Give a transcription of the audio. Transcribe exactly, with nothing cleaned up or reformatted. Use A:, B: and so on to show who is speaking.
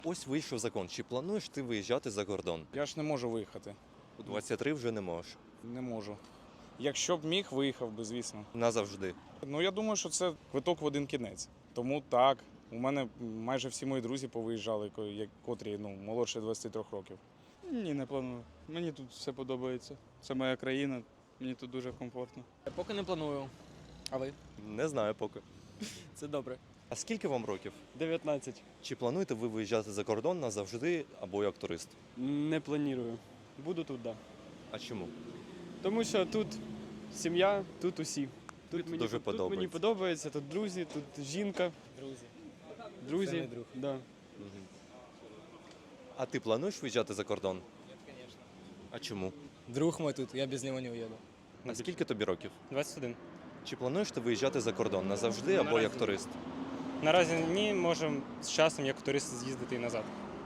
A: Ось вийшов закон. Чи плануєш ти виїжджати за кордон?
B: Я ж не можу виїхати.
A: У двадцять три вже не можеш.
B: Не можу. Якщо б міг, виїхав би, звісно.
A: Назавжди.
B: Ну, я думаю, що це квиток в один кінець. Тому так. У мене майже всі мої друзі повиїжджали, ко- як- котрі ну, молодше двадцяти трьох років.
C: Ні, не планую. Мені тут все подобається. Це моя країна, мені тут дуже комфортно.
D: Поки не планую. А ви?
A: Не знаю поки.
D: Це добре.
A: А скільки вам років?
C: дев'ятнадцять.
A: Чи плануєте ви виїжджати за кордон назавжди або як турист?
C: Не планую. Буду тут, так. Да.
A: А чому?
C: Тому що тут сім'я, тут усі. Тут мені,
A: дуже
C: тут, тут мені
A: подобається.
C: подобається, тут друзі, тут жінка,
D: Друзі.
C: друзі.
D: Це не друг.
C: Да.
A: А ти плануєш виїжджати за кордон?
D: Ні, звісно.
A: А чому?
D: Друг мой тут, я без нього не уїду.
A: А скільки тобі років?
E: двадцять один.
A: Чи плануєш ти виїжджати за кордон назавжди або
E: Наразі
A: як
E: ні.
A: турист?
E: Наразі ні, можемо з часом як турист з'їздити і назад.